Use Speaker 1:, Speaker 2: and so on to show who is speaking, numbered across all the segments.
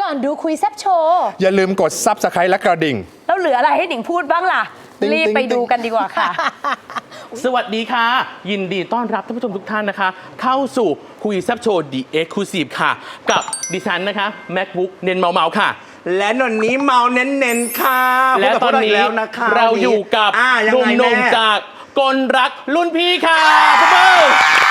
Speaker 1: อนดูคุยแซบโชว์
Speaker 2: อย่าลืมกด Subscribe และกระดิ่ง
Speaker 1: แล้วเหลืออะไรให้หนิงพูดบ้างล่ะ
Speaker 2: ติ๊ง
Speaker 1: รีบไป
Speaker 2: ติ๊ง
Speaker 1: ดูกันดีกว่าค่ะ
Speaker 3: สวัสดีค่ะ ยินดีต้อนรับท่านผู้ชมทุกท่านนะคะ เข้าสู่คุยแซบโชว์ The Exclusive ค่ะ กับดิฉันนะคะ MacBook เน้นเมาค่ะ
Speaker 4: และนนนี้เมาเน้นๆค่ะ
Speaker 3: และตอนนี้
Speaker 4: พบกับพวกเราอีกแล้วนะคะ
Speaker 3: เราอยู่กับ
Speaker 4: ยัง
Speaker 3: ห
Speaker 4: ไง
Speaker 3: นุ่ม
Speaker 4: แม่
Speaker 3: ๆจากกลรักรุ่นพี่ค่ะปรบมือ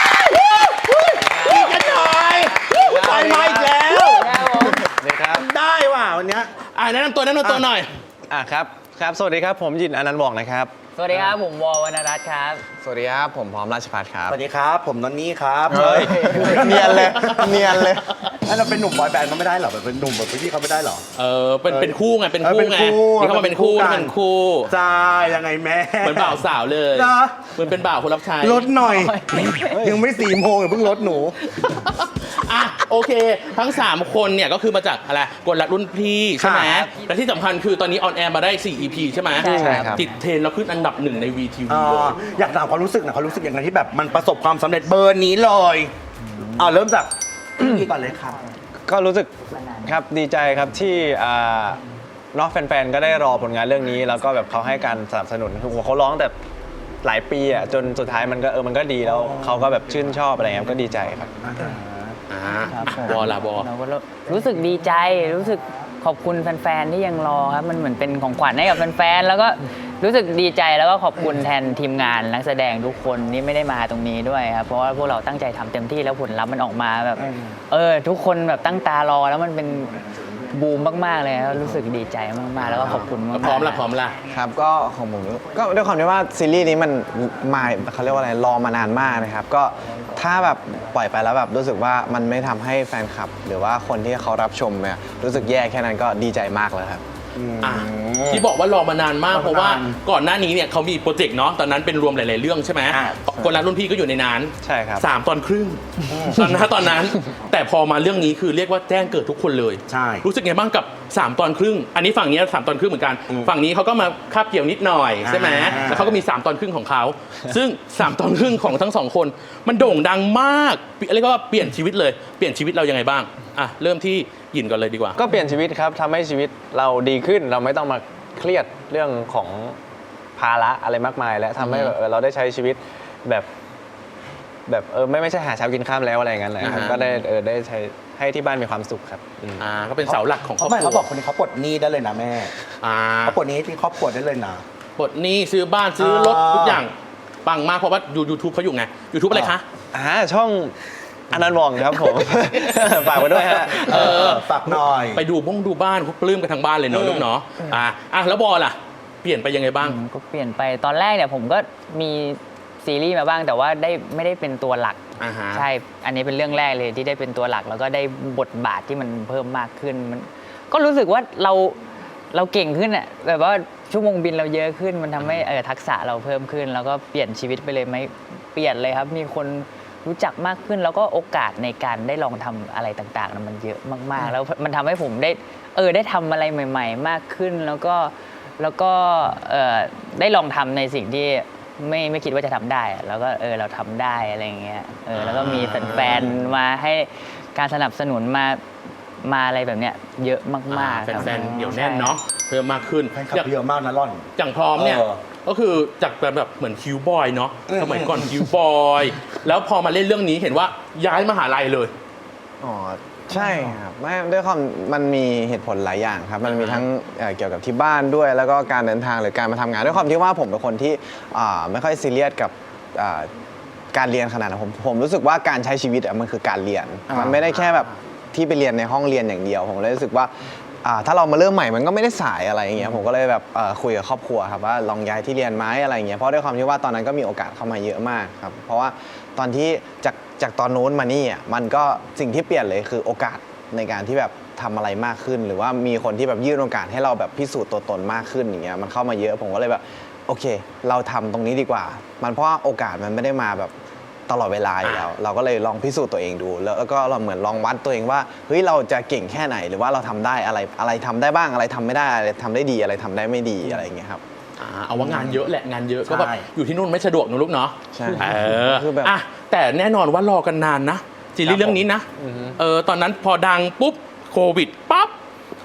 Speaker 4: อีกกันหน่อยไปมาอีกแล้ว
Speaker 5: นี่ครับ
Speaker 4: ได้ว่ะวันเนี้ย
Speaker 3: แนะนำตัวหน่อย
Speaker 5: ครับ สวัสดีครับ ผมยินอนันต์วองนะครับ
Speaker 6: สวัสดีครับ ผมวอลวรรณรัตน์ครับ
Speaker 5: สวัสดีครับ ผมพร้อมราชพัฒน์ครับ
Speaker 4: สวัสดีครับ ผมนนนี่ครับ
Speaker 5: เฮ้ย เนียนเลย เนียนเลย
Speaker 4: ถ้าเราเป็นหนุ่มบอยแบนด์เขาไม่ได้เหรอแบบเป็นหนุ่มแบบพี่เขาไม่ได้เหรอ
Speaker 3: เป็นคู่ไง เป็นคู่ไง
Speaker 4: เป็นคู่
Speaker 3: นี่เขามาเป็นคู่
Speaker 4: เป็นคู่
Speaker 3: นี่เป็นคู่
Speaker 4: จ้ายังไงแม่
Speaker 3: เหมือนบ่าวสาวเลย
Speaker 4: เหรอ
Speaker 3: เหมือนเป็นบ่าวคนรับใช้
Speaker 4: ลดหน่อย ยังไม่4 โมงอย่าเพิ่งลดหนู
Speaker 3: อ่ะโอเค ทั้ง 3 คนเนี่ยก็คือมาจากอะไรกลรักรุ่นพี่ใช่ไหม
Speaker 4: ครับ
Speaker 3: และที่สำคัญคือตอนนี้ออนแอร์มาได้ 4 EP ใช่ไหม
Speaker 6: ใช่ครับ
Speaker 3: ติดเทรนด์แล้วขึ้นอันดับ 1 ใน VTV
Speaker 4: อยากถามความรู้สึกหนะความรู้สึกอย่างไรที่แบบมันประสบความสำเร็จเบอร์นี้เลยเริ่มจากพี่ก่อนเลยค่ะ
Speaker 5: ก็รู้สึกครับดีใจครับที่เนอกแฟนๆ ก็ได้รอผลงานเรื่องนี้ แล้วก็แบบเขาให้การสนับสนุนคือเขาร้องแต่หลายปีอ่ะจนสุดท้ายมันก็มันก็ดีแล้วเขาก็แบบชื่นชอบอะไรเงี้ยก็ดีใจครับ
Speaker 6: ครับผม
Speaker 3: บอลาบอ
Speaker 6: เราก็รู้สึกดีใจ รู้สึกขอบคุณแฟนๆ ที่ยังรอครับ มันเหมือนเป็นของขวัญให้กับแฟนๆ แล้วก็รู้สึกดีใจแล้วก็ขอบคุณแทนทีมงานนักแสดงทุกคนที่ไม่ได้มาตรงนี้ด้วยครับ เพราะว่าพวกเราตั้งใจทำเต็มที่แล้วผลลัพธ์มันออกมาแบบ ทุกคนแบบตั้งตารอแล้วมันเป็นบูมมากๆเลยครับรู้สึกดีใจมากๆ แล้วก็ขอบคุณมากๆ
Speaker 3: พร้อมละ
Speaker 5: ครับก็ของผมก็ด้วยความที่ว่าซีรีส์นี้มันมาเขาเรียกว่าอะไรรอมานานมากนะครับก็ถ้าแบบปล่อยไปแล้วแบบรู้สึกว่ามันไม่ทำให้แฟนคลับ หรือว่าคนที่เขารับชมเนี่ยรู้สึกแย่แค่นั้นก็ดีใจมากแล้วครับ
Speaker 3: ที่บอกว่ารอมานานมากเพราะว่าก่อนหน้านี้เนี่ยเขามีโปรเจกต์เนาะตอนนั้นเป็นรวมหลาย ๆ เรื่องใช่ไหม
Speaker 4: อ่า
Speaker 3: คนรักรุ่นพี่ก็อยู่ในนั้น
Speaker 5: ใช่ครับ
Speaker 3: 3 ตอนครึ่งตอนนั้น แต่พอมาเรื่องนี้คือเรียกว่าแจ้งเกิดทุกคนเลย
Speaker 4: ใช่
Speaker 3: รู้สึกไงบ้างกับ 3 ตอนครึ่ง อันนี้ฝั่งนี้3 ตอนครึ่งเหมือนกัน ฝั่งนี้เขาก็มาคาบเกี่ยวนิดหน่อยใช่ไหมแล้วเขาก็มี 3 ตอนครึ่งของเขา ซึ่ง 3 ตอนครึ่งของทั้ง 2 คน มันโด่งดังมากเรียกว่าเปลี่ยนชีวิตเลยเปลี่ยนชีวิตเรายังไงบ้างเริ่มที่หยินก่อนเลยดีกว่า
Speaker 5: ก็เปลี่ยนชีวิตครับทำให้ชีวิตเราดีขึ้นเราไม่ต้องมาเครียดเรื่องของภาระอะไรมากมาย และทำให้แบบเราได้ใช้ชีวิตแบบไม่ใช่หาเช้ากินข้ามแล้วอะไรอย่างนั้นเลยครับก็ได้ใช้ให้ที่บ้านมีความสุขครับ
Speaker 3: ก็เป็นเสาหลักของครอบ
Speaker 4: ไม่
Speaker 3: ครั
Speaker 4: เขา
Speaker 3: ว
Speaker 4: บอกคนนี้เขาปลดหนี้ได้เลยนะแม่
Speaker 3: อ่า
Speaker 4: เขาปลดหนี้ที่ครอบครัวได้เลยนะ
Speaker 3: ปลดหนี้ซื้อบ้านซื้อรถทุกอย่างปังมากเพราะว่ายูทูบเขาอยู่ไง YouTube อะไรคะ
Speaker 5: ช่องอนันต์วองครับผม ฝากไว้ด้วยฮะ
Speaker 4: ฝากหน่อย
Speaker 3: ไปดูบ้านเขาปลื้มกันทั้งบ้านเลยเนาะลูกเนาะแล้วบอลล่ะ เปลี่ยนไปยังไงบ้าง
Speaker 6: ก็เปลี่ยนไปตอนแรกเนี่ยผมก็มีซีรีส์มาบ้างแต่ว่าไม่ได้เป็นตัวหลัก ใช่ อันนี้เป็นเรื่องแรกเลยที่ได้เป็นตัวหลัก แล้วก็ได้บทบาทที่มันเพิ่มมากขึ้นมันก็รู้สึกว่าเราเก่งขึ้นอ่ะแบบว่าชั่วโมงบินเราเยอะขึ้นมันทำให้ทักษะเราเพิ่มขึ้น แล้วก็เปลี่ยนชีวิตไปเลยไหมเปลี่ยนเลยครับมีคนรู้จักมากขึ้นแล้วก็โอกาสในการได้ลองทำอะไรต่างๆมันเยอะมากๆ แล้วมันทำให้ผมได้ทำอะไรใหม่ ๆ มากขึ้นแล้วก็ได้ลองทำในสิ่งที่ไม่คิดว่าจะทำได้อะแล้วก็เราทำได้อะไรอย่างเงี้ยแล้วก็มีแฟนๆมาให้การสนับสนุนมาอะไรแบบเนี้ยเยอะมากๆครับ
Speaker 3: แฟนๆเดี๋ยวแน่นเนาะเพิ่มมากขึ้น
Speaker 4: แฟนคลับเยอะมากนะร่อน
Speaker 3: อย่างพร้อมเนี่ย ก็คือจากแบบเหมือนคิวบอยเนาะสมัยก่อนคิวบอยแล้วพอมาเล่นเรื่องนี้เห็นว่าย้ายมหาลัยเลย
Speaker 5: อ๋อใช่ครับไม่ด้วยความมันมีเหตุผลหลายอย่างครับมันมีทั้งเกี่ยวกับที่บ้านด้วย แล้วก็การเดินทางหรือการมาทำงานด้วยความที่ว่าผมเป็นคนที่ไม่ค่อยซีเรียสกับการเรียนขนาดนั้นผมรู้สึกว่าการใช้ชีวิตมันคือการเรียนมันไม่ได้แค่แบบที่ไปเรียนในห้องเรียนอย่างเดียวผมเลยรู้สึกว่าถ้าเรามาเริ่มใหม่มันก็ไม่ได้สายอะไรอย่างเงี้ยผมก็เลยแบบคุยกับครอบครัวครับว่าลองย้ายที่เรียนไหมอะไรอย่างเงี้ยเพราะด้วยความที่ว่าตอนนั้นก็มีโอกาสเข้ามาเยอะมากครับเพราะว่าตอนที่จากตอนนู้นมานี่มันก็สิ่งที่เปลี่ยนเลยคือโอกาสในการที่แบบทำอะไรมากขึ้น หรือว่ามีคนที่แบบยื่นโอกาสให้เราแบบพิสูจน์ตัวตนมากขึ้นอย่างเงี้ยมันเข้ามาเยอะผมก็เลยแบบโอเคเราทำตรงนี้ดีกว่ามันเพราะว่าโอกาสมันไม่ได้มาแบบตลอดเวลาอยู่แล้วเราก็เลยลองพิสูจน์ตัวเองดูแล้วก็เราเหมือนลองวัดตัวเองว่าเฮ้ยเราจะเก่งแค่ไหนหรือว่าเราทำได้อะไรทำได้บ้างอะไรทำไม่ได้อะไรทำได้ดีอะไรทำได้ไม่ดีอะไรอย่างเงี้ยครับ
Speaker 3: เอาว่างานเยอะแหละงานเยอะ
Speaker 4: ใช่
Speaker 3: ก็แบบอยู่ที่นู่นไม่สะดวกนะลูกเนาะ
Speaker 5: ใช่
Speaker 3: คือแบบแต่แน่นอนว่ารอกันนานนะซีรีส์เรื่องนี้นะตอนนั้นพอดังปุ๊บโควิดปั๊บ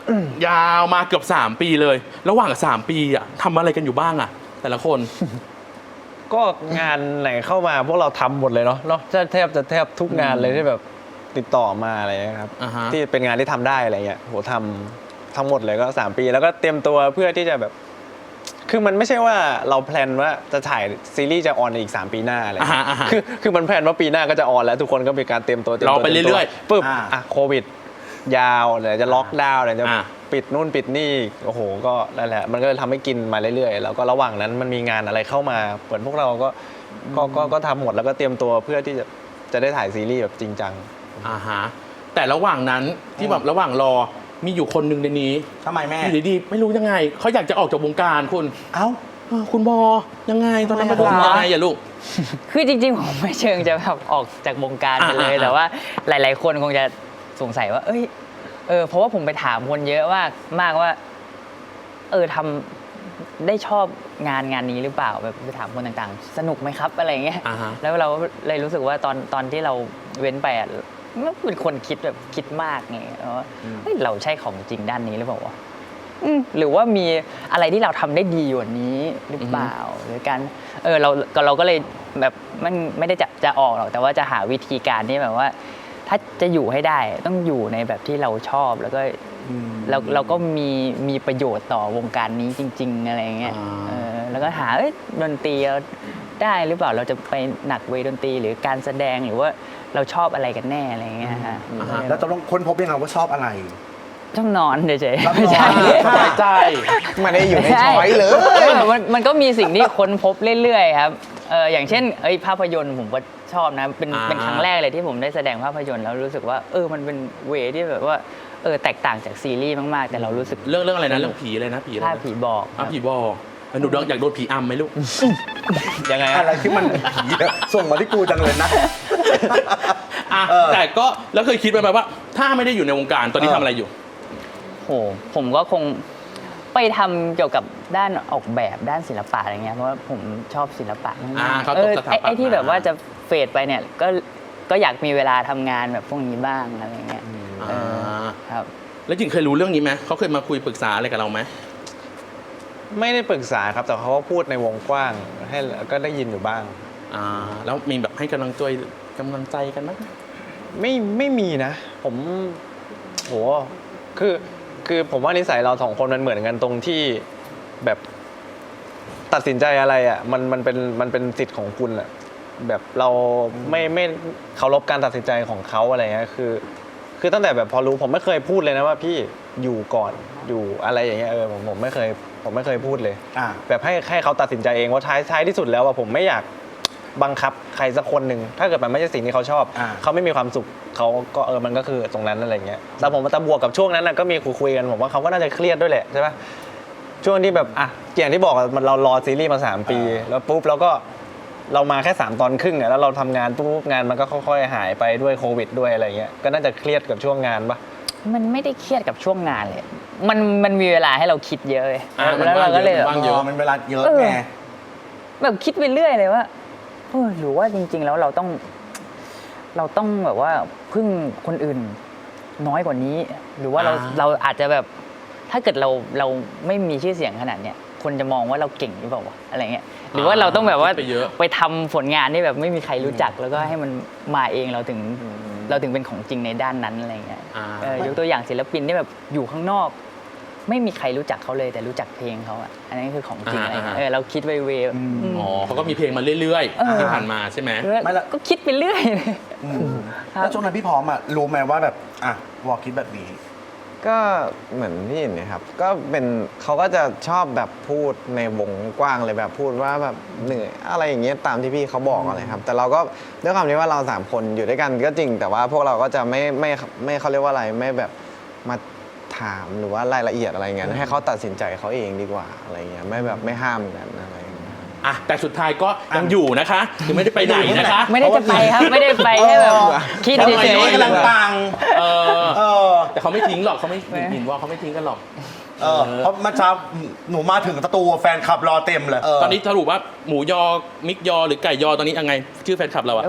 Speaker 3: ยาวมาเกือบ3 ปีเลย ระหว่าง3 ปีอะทำอะไรกันอยู่บ้างอะแต่ละคน
Speaker 7: ก็งานไหนเข้ามาพวกเราทำหมดเลยเนาะแทบทุกงานเลยที่แบบติดต่อมาอะไรเงี้ยครับ
Speaker 3: อ่าฮะ
Speaker 7: ที่เป็นงานที่ทำได้อะไรเงี้ยโหทำทั้งหมดเลยก็3 ปีแล้วก็เตรียมตัวเพื่อที่จะแบบ คือมันไม่ใช่ว่าเราแพลนว่าจะถ่ายซีรีส์จะออนในอีก3 ปีหน้าอะไรเงี้ย
Speaker 3: อ่าฮะ
Speaker 7: คือมันแพลนว่าปีหน้าก็จะออนแล้วทุกคนก็มีการเตรียมตัว
Speaker 3: รอไปเรื่อยๆ
Speaker 7: ปึ๊บโควิดยาวเดี๋ยวจะล็อกดาวน์เดี๋ยวจะ
Speaker 3: อ่า
Speaker 7: ปิดนู่นปิดนี่โอ้โหก็นั่นแหละมันก็เลยทำให้กินมาเรื่อยๆแล้วก็ระหว่างนั้นมันมีงานอะไรเข้ามาเหมือนพวกเราก็ทำหมดแล้วก็เตรียมตัวเพื่อที่จะได้ถ่ายซีรีส์แบบจริงจัง
Speaker 3: อ่าฮะแต่ระหว่างนั้นที่แบบระหว่างรอมีอยู่คนหนึ่งในนี้
Speaker 4: ทำไมแม่
Speaker 3: อยู่ดีๆไม่รู้ยังไงเขาอยากจะออกจากวงการคุณ
Speaker 4: เอ้า
Speaker 3: คุณบอยังไงตอนนั้นมันเป็นยังไงอะลูก
Speaker 6: คือจริงๆ ผมไม่เชิงจะแบบออกจากวงการไปเลย แต่ว่าหลาย ๆ คนคงจะสงสัยว่า เอ้ยเพราะว่าผมไปถามคนเยอะมากว่าทำได้ชอบงานนี้หรือเปล่าแบบไปถามคนต่างๆ สนุกไหมครับอะไรเงี้ย
Speaker 3: อ่าฮะ
Speaker 6: แล้วเราเลยรู้สึกว่าตอนที่เราเว้นไปอ่ะมันเป็นคนคิดมากไงว่าเฮ้ยเราใช่ของจริงด้านนี้หรือเปล่าวะหรือว่ามีอะไรที่เราทำได้ดีกว่านี้หรือเปล่าหรือการเราก็เลยแบบมันไม่ได้จะออกหรอกแต่ว่าจะหาวิธีการที่แบบว่า ถ้าจะอยู่ให้ได้ต้องอยู่ในแบบที่เราชอบแล้วก็เราก็มีประโยชน์ต่อวงการนี้จริง ๆ อะไรเงี้ยแล้วก็หาดนตรีเราได้หรือเปล่าเราจะไปหนักเวดนตรีหรือการแสดงหรือว่าเราชอบอะไรกันแน่อะไรเงี้ยฮะ
Speaker 4: แล้วตกลงค้นพบยังไงว่าชอบอะไร
Speaker 6: ต้องนอนเฉย
Speaker 4: ชอบ
Speaker 6: ๆไม่
Speaker 4: น
Speaker 6: ใช่
Speaker 4: อน
Speaker 3: สบายใจ
Speaker 5: ไม่ได้อยู่ในช้อยเลย
Speaker 6: มันก็มีสิ่งที่ค้นพบเรื่อยๆครับอย่างเช่นภาพยนตร์ผมก็ชอบนะเป็นครั้งแรกเลยที่ผมได้แสดงภาพยนตร์แล้วรู้สึกว่ามันเป็นเวที่แบบว่าแตกต่างจากซีรีส์มากๆแต่เรารู้สึก
Speaker 3: เรื่องอะไรนะเรื่องผีอะไรนะผีอะไร
Speaker 6: ถ้า
Speaker 3: นะ
Speaker 6: ผีบอก
Speaker 3: ผีบอกหนูอยากโดนผีอำไหมลูก
Speaker 7: ยังไง
Speaker 4: อะไรที่มันผีอะส่งมาที่กูจังเลยนะ
Speaker 3: แต่ก็แล้วเคยคิดไหมว่า ถ้าไม่ได้อยู่ในวงการตอนนี้ทำอะไรอยู่
Speaker 6: โหผมก็คงไปทำเกี่ยวกับด้านออกแบบด้านศิลปะอะไรเงี้ยเพราะว่าผมชอบศิลปะมาก
Speaker 3: เขาตกสถาปัตย์
Speaker 6: ไอ้ที่แบบว่าจะเฟดไปเนี่ยก็อยากมีเวลาทำงานแบบพวกนี้บ้างอะไรเงี้ยครับ
Speaker 3: แล้วจริงเคยรู้เรื่องนี้ไหมเขาเคยมาคุยปรึกษาอะไรกับเราไหม
Speaker 7: ไม่ได้ปรึกษาครับแต่เขาก็พูดในวงกว้างให้ก็ได้ยินอยู่บ้าง
Speaker 3: แล้วมีแบบให้กำลังใจกันไหม
Speaker 7: ไม่มีนะ ผมโหคือผมว่านิสัยเรา2 คนมันเหมือนกันตรงที่แบบตัดสินใจอะไรอ่ะมันเป็นสิทธิ์ของคุณแหละแบบเราไม่เคารพการตัดสินใจของเขาอะไรเงี้ยคือตั้งแต่แบบพอรู้ผมไม่เคยพูดเลยนะว่าพี่อยู่ก่อนอยู่อะไรอย่างเงี้ยผมไม่เคยพูดเลยแบบให้เขาตัดสินใจเองว่าท้ายที่สุดแล้วว่าผมไม่อยากบังคับใครสักคนหนึ่งถ้าเกิดมันไม่ใช่สิ่งที่เขาชอบเขาไม่มีความสุขเขาก็มันก็คือตรงนั้นอะไรเงี้ยแต่ผมมาบวกกับช่วงนั้นก็มีคุยกันผมว่าเขาก็น่าจะเครียดด้วยแหละใช่ปะช่วงที่แบบอย่างที่บอกเรารอซีรีส์มา3 ปีแล้วปุ๊บแล้วก็เรามาแค่3 ตอนครึ่งแล้วเราทำงานปุ๊บงานมันก็ค่อยๆหายไปด้วยโควิดด้วยอะไรเงี้ยก็น่าจะเครียดกับช่วงงานปะ
Speaker 6: มันไม่ได้เครียดกับช่วงงานเลยมันมีเวลาให้เราคิดเยอะเลย
Speaker 3: มัน
Speaker 6: แล้วเราก็เลย
Speaker 3: ว่างเยอะ
Speaker 4: มันเวลาเยอะไง
Speaker 6: แบบคิดไปเรื่อยเลยว่าหรือว่าจริง ๆ แล้วเราต้องแบบว่าพึ่งคนอื่นน้อยกว่านี้ หรือว่าเราอาจจะแบบถ้าเกิดเราไม่มีชื่อเสียงขนาดเนี้ยคนจะมองว่าเราเก่งหรือเปล่าวะอะไรเงี้ยหรือว่าเราต้องแบบว่า
Speaker 3: คิดไปเยอะ
Speaker 6: ไปทำผลงานที่แบบไม่มีใครรู้จักแล้วก็ให้มันมาเองเราถึงเป็นของจริงในด้านนั้นอะไรเงี้ยยกตัวอย่างศิลปินที่แบบอยู่ข้างนอก ไม่มีใครรู้จักเขาเลยแต่รู้จักเพลงเขาอ่ะอันนั้นคือของจริงอะไรเงี้ยเราคิดเวๆ
Speaker 3: เขาก็มีเพลงมาเรื่อยๆที่ผ่านมาใช่ไหม
Speaker 6: ก็คิดไปเรื่อยเลย
Speaker 4: แล้วช่วงนั้นพี่พร้อมรู้ไหมว่าแบบวอลคิดแบบนี้
Speaker 5: ก็เหมือนพี่เห็นนะครับก็เป็นเขาก็จะชอบแบบพูดในวงกว้างเลยแบบพูดว่าแบบเหนื่อยอะไรอย่างเงี้ยตามที่พี่เขาบอกอะไรครับแต่เราก็ด้วยความที่ว่าเรา3 คนอยู่ด้วยกันก็จริงแต่ว่าพวกเราก็จะไม่เขาเรียกว่าอะไรไม่แบบมาถามหรือว่ารายละเอียดอะไรเงี้ยให้เขาตัดสินใจเขาเองดีกว่าอะไรเงี้ยไม่แบบไม่ห้ามกันอะไรเงี้ย
Speaker 3: แต่สุดท้ายก็ยังอยู่นะคะคือไม่ได้ไปไหนนะคะ
Speaker 6: ไม่ได้จะไปครับไม่ได้ไปแค่แบบคิด
Speaker 3: ทำ
Speaker 6: เฉ
Speaker 3: ไม
Speaker 6: ย
Speaker 4: กำลังปัง
Speaker 3: แต่เขาไม่ทิ้งหรอกเขาไม่ยินว่าเขาไม่ทิ้งกันหรอก
Speaker 4: เพราะเมื่อเช้าหนูมาถึงสตูแฟนคลับรอเต็มเลย
Speaker 3: ตอนนี้สรุปว่าหมูยอมิกยอหรือไก่ยอตอนนี้ยังไงชื่อแฟนคลับเราอะ
Speaker 6: ๆ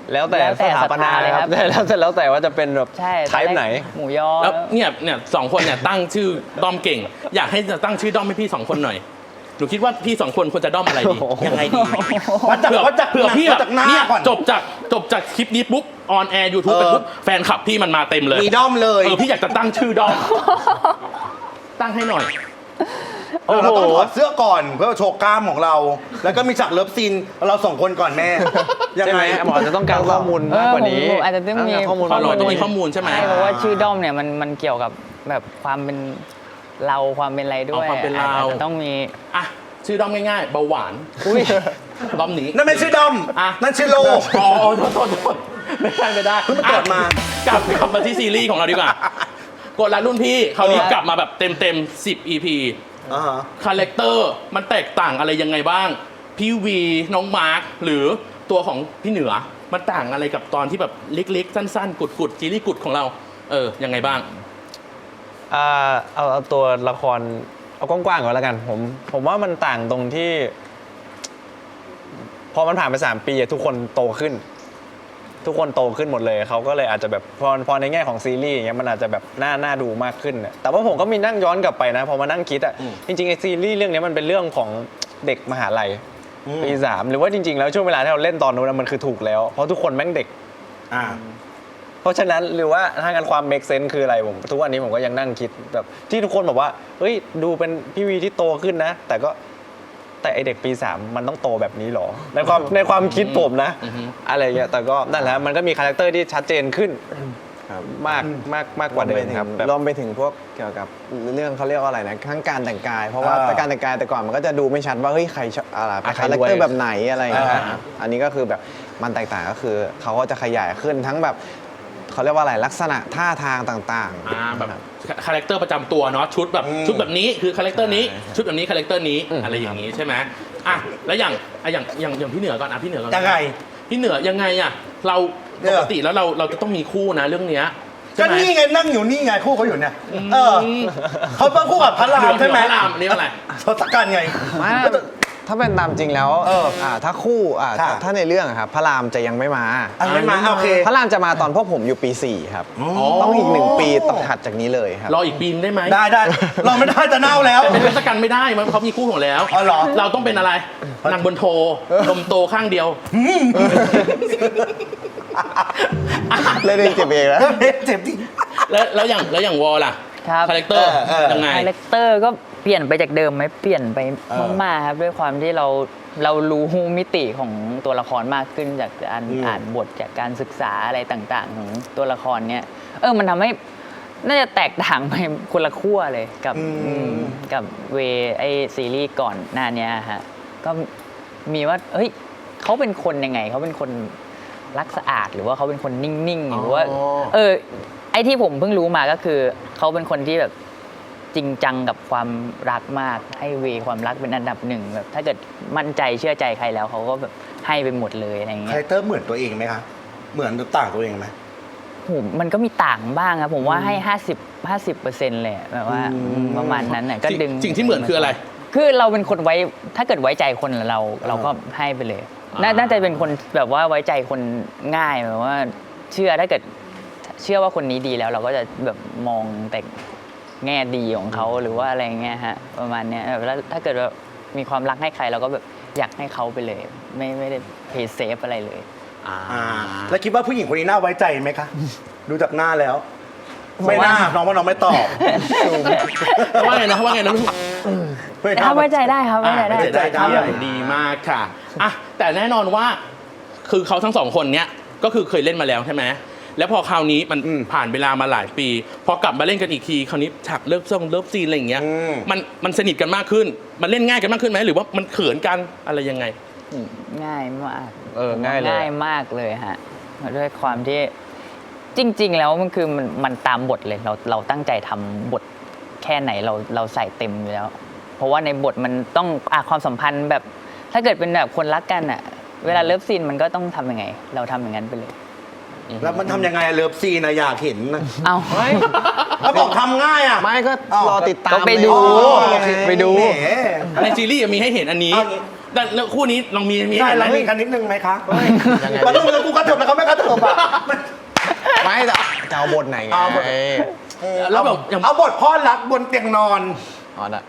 Speaker 7: แล้วแต่
Speaker 6: แล้วแต่
Speaker 7: สถาปนา
Speaker 6: ศรัทธาเลย
Speaker 7: ค
Speaker 6: ครั
Speaker 7: รับบ แล้วแต่ว่าจะเป็นแบบ
Speaker 6: ใช่
Speaker 7: ไทป์ไหน
Speaker 6: หมูยอ
Speaker 3: แล้วเนี่ยสองคนเนี่ยตั้งชื่อด้อมเก่ง อยากให้ตั้งชื่อด้อมให้พี่สองคนหน่อยหนูคิดว่าพี่สองคนควรจะด้อมอะไรดี
Speaker 4: ยังไงดีวัดจาก
Speaker 3: เผื่อพี่
Speaker 4: วั
Speaker 3: แบ
Speaker 4: ด
Speaker 3: บ
Speaker 4: จากหน้า
Speaker 3: เนี่ย
Speaker 4: ก่อน
Speaker 3: จบจากคลิปนี้ปุ๊บออนแอร์ยูทูบไปปุ๊บแฟนคลับพี่มันมาเต็มเลย
Speaker 4: มีด้อมเลย
Speaker 3: พี่อยากจะตั้งชื่อด้อมตั้งให้หน่อย
Speaker 4: เราต้องถอดเสื้อก่อนเพื่อโชว์กล้ามของเรา แล้วก็มีฉากเลิฟซีนเราสองคนก่อนแม่ยัง
Speaker 7: ใช่ไห
Speaker 4: ไง
Speaker 7: มหมอจะต้องการข้อมูลมากกว่านี้
Speaker 6: ผมอาจจะต้องมี
Speaker 7: ข้อมูล
Speaker 3: ข้อมูล
Speaker 7: มากกว่า
Speaker 3: ต้องมี
Speaker 7: นี้
Speaker 3: ข้อมูลใช่ไหม
Speaker 6: ใช่เพราะว่าชื่อด้อมเนี่ยมันเกี่ยวกับแบบความเป็นเราความเป็นอะไรด้วย
Speaker 3: ความเป็นเรา
Speaker 6: อาจจะต้องมี
Speaker 3: อ่ะชื่อด้อมง่ายๆเบาหวานด้อมนี้
Speaker 4: นั่นไม่ใช่ด้อม
Speaker 3: อ่ะ
Speaker 4: นั่นชื่อโล
Speaker 3: อ๋อโทษไม่ได้
Speaker 4: เพิ่งเกิดมา
Speaker 3: กลับมาที่ซีรีส์ของเราดีกว่ากดรัดรุ่นพี่คราวนี้กลับมาแบบเต็ม10 EP
Speaker 4: อ่าฮะ
Speaker 3: คาแรคเตอร์มันแตกต่างอะไรยังไงบ้าง พี่วีน้องมาร์คหรือตัวของพี่เหนือมันต่างอะไรกับตอนที่แบบเล็กๆ สั้นๆ กุดๆจีรีกุดของเรายังไงบ้าง
Speaker 7: เอาตัวละครเอากว้างๆก่อนแล้วกันผมว่ามันต่างตรงที่ พอมันผ่านไป3 ปีทุกคนโตขึ้น ทุกคนโตขึ้นหมดเลยเขาก็เลยอาจจะแบบพอในแง่ของซีรีส์อย่างเงี้ยมันอาจจะแบบน่าดูมากขึ้นน่ะแต่ว่าผมก็มีนั่งย้อนกลับไปนะพอมานั่งคิดอ่ะจริงๆไอซีรีส์เรื่องนี้มันเป็นเรื่องของเด็กมหาลัยปี 3หรือว่าจริงๆแล้วช่วงเวลาที่เราเล่นตอนนู้นมันคือถูกแล้วเพราะทุกคนแม่งเด็ก
Speaker 4: อ่า
Speaker 7: เพราะฉะนั้นหรือว่าถ้างั้นความ make sense คืออะไรผมทุกวันนี้ผมก็ยังนั่งคิดแบบที่ทุกคนบอกว่าเฮ้ยดูเป็นพี่วีที่โตขึ้นนะ แต่ไอเด็กปี 3มันต้องโตแบบนี้หรอในความคิดผมนะอะไรเงี้ยแต่ก็นั่นแหละมันก็มีคาแรคเตอร์ที่ชัดเจนขึ้นมากกว่าเดิมครับแบบ
Speaker 5: รวมไปถึงพวกเกี่ยวกับเรื่องเขาเรียกว่าอะไรนะทั้งการแต่งกาย เพราะว่าการแต่งกายแต่ก่อนมันก็จะดูไม่ชัดว่าเฮ้ยใครอะไรเป็น
Speaker 7: ใคร
Speaker 5: คาแรค
Speaker 7: ด้วย
Speaker 5: เตอร์แบบไหนอะไรอย่างเงี้ยครับอันนี้ก็คือแบบมันแตกต่างก็คือเขาก็จะขยายขึ้นทั้งแบบเขาเรียกว่าอะไรลักษณะท่าทางต่างๆ
Speaker 3: แบบคาแรคเตอร์ประจำตัวเนาะชุดแบบนี้คือคาแรคเตอร์นี้ชุดแบบนี้คาแรคเตอร์นี้อะไรอย่างนี้ใช่ไหมอ่ะแล้วอย่างพี่เหนือก่อนพี่เหนือก่อน
Speaker 4: ยังไง
Speaker 3: พี่เหนือยังไงอ่ะเราปกติแล้วเราจะต้องมีคู่นะเรื่องเนี้ย
Speaker 4: ก็
Speaker 3: ใช่ไหม
Speaker 4: นี่ไงนั่งอยู่นี่ไงคู่เขาอยู่เนี่ยเขาเป็นคู่กับพระรามใช่ไหม
Speaker 3: พระรามอันนี้อะไร
Speaker 4: ทศกัณฐ์ไง
Speaker 5: ไม่ถ้าเป็นตามจริงแล้วถ้าคู่
Speaker 4: ค่ะ
Speaker 5: ถ้าในเรื่องอะครับพระรามจะยังไม่มา
Speaker 4: ไม่มาโอเค
Speaker 5: พระรามจะมาตอนพวกผมอยู่ปี 4 ครับ ต้องอีก1 ปีต้องถัดจากนี้เลยครับ
Speaker 3: รออีกปีนงได้ไหม
Speaker 4: ได้เราไม่ได้จะเน่าแล้ว
Speaker 3: แต่เป็นทศกัณฐ์ไม่ได้มันเขามีคู่ของแล้ว
Speaker 4: อ๋อเหรอ
Speaker 3: เราต้องเป็นอะไรนางบนโทนมโตข้างเดียว
Speaker 5: เล่นเองเจ็บเองนะ
Speaker 4: เจ็บจริง
Speaker 3: แล้วอย่างวอลล่ะ
Speaker 6: ครับ
Speaker 3: คาแรคเตอร์ยังไง
Speaker 6: คาแรคเตอร์ก็เปลี่ยนไปจากเดิมไหมเปลี่ยนไปมากๆครับด้วยความที่เรารู้มิติของตัวละครมากขึ้นจากการอ่านบทจากการศึกษาอะไรต่างๆ ของตัวละครเนี้ยมันทำให้น่าจะแตกต่างไปคนละขั้วเลยกับเวไอซีรีส์ก่อนหน้านี้ฮะก็มีว่าเฮ้ยเขาเป็นคนยังไงเขาเป็นคนรักสะอาดหรือว่าเขาเป็นคนนิ่งๆหรือว่าไอ้ที่ผมเพิ่งรู้มาก็คือเขาเป็นคนที่แบบจริงจังกับความรักมากให้เวความรักเป็นอันดับหนึ่งแบบถ้าเกิดมั่นใจเชื่อใจใครแล้วเขาก็แบบให้ไปหมดเลยอะไรอย่าง
Speaker 4: คา
Speaker 6: เงี้
Speaker 4: แร
Speaker 6: ย
Speaker 4: คเตอร์เหมือนตัวเองไหมคะเหมือนหรือต่างตัวเองไหม
Speaker 6: ผมมันก็มีต่างบ้างครับผมว่าให้50% เลยแบบว่าประมาณนั้นน่ะก็ดึง
Speaker 3: สิ่งที่เหมือนคืออะไร
Speaker 6: คือเราเป็นคนถ้าเกิดไว้ใจคนเราก็ให้ไปเลยน่าจะเป็นคนแบบว่าไว้ใจคนง่ายแบบว่าถ้าเกิดเชื่อว่าคนนี้ดีแล้วเราก็จะแบบมองแต่แง่ดีของเขาหรือว่าอะไรเงี้ยฮะประมาณเนี้ยแล้วถ้าเกิดว่ามีความรักให้ใครเราก็แบบอยากให้เขาไปเลยไม่ได้เพย์เซฟอะไรเลย
Speaker 4: แล้วคิดว่าผู้หญิงคนนี้น่าไว้ใจไหมคะ ดูจากหน้าแล้ว ไม่น่าน้องว่าน้องไม่ตอบ
Speaker 3: ว่าไงนะลูก
Speaker 6: ถ้าไว้ใจได้ครับไว้ใจได้
Speaker 4: ไว้ใจได้
Speaker 3: ดีมากค่ะอ่ะแต่แน่นอนว่าคือเขาทั้งสองคนเนี้ยก็คือเคยเล่นมาแล้วใช่ไหมแล้วพอคราวนี้มันผ่านเวลามาหลายปี พอกลับมาเล่นกันอีกทีคราวนี้ฉากเลิฟซีนอะไรอย่างเงี้ยมันสนิทกันมากขึ้นมันเล่นง่ายกันมากขึ้นไหมหรือว่ามันเขินกันอะไรยังไง
Speaker 6: ง่ายมาก
Speaker 7: ง่ายเลย
Speaker 6: ง่ายมากเลยฮะด้วยความที่จริง ๆ แล้วมันคือมันตามบทเลยเราตั้งใจทำบทแค่ไหนเราใส่เต็มอยู่แล้ว เพราะว่าในบทมันต้องความสัมพันธ์แบบถ้าเกิดเป็นแบบคนรักกันอะเวลาเลิฟซีนมันก็ต้องทำยังไง เราทำอย่างนั้นไปเลย
Speaker 4: แล้วมันทำยังไงเลิฟซีนนะอยากเห็นนะ
Speaker 6: เอา
Speaker 4: แล้วบอกทำง่ายอ่ะ
Speaker 5: ไม่ก็รอติดตาม
Speaker 6: ก็ไปดู
Speaker 5: เลย
Speaker 6: ไปดู
Speaker 4: แหม
Speaker 3: ในซีรีส์มีให้เห็นอันนี้
Speaker 4: เอางี้
Speaker 3: แล้วคู่นี้ลองมี
Speaker 4: ใช่
Speaker 3: เห็นไหม
Speaker 4: เรามีกันนิดนึงไหมคะมันต้องกูกระเถิบแล้วเขาไม่กระเถิบอ่ะ
Speaker 5: ไม่แต่จะเอาบทไหนไง
Speaker 4: เอาบท
Speaker 3: แล้วแบบอย่าง
Speaker 4: เอาบทพ่อรักบนเตียงนอน
Speaker 5: อ๋อน่ะ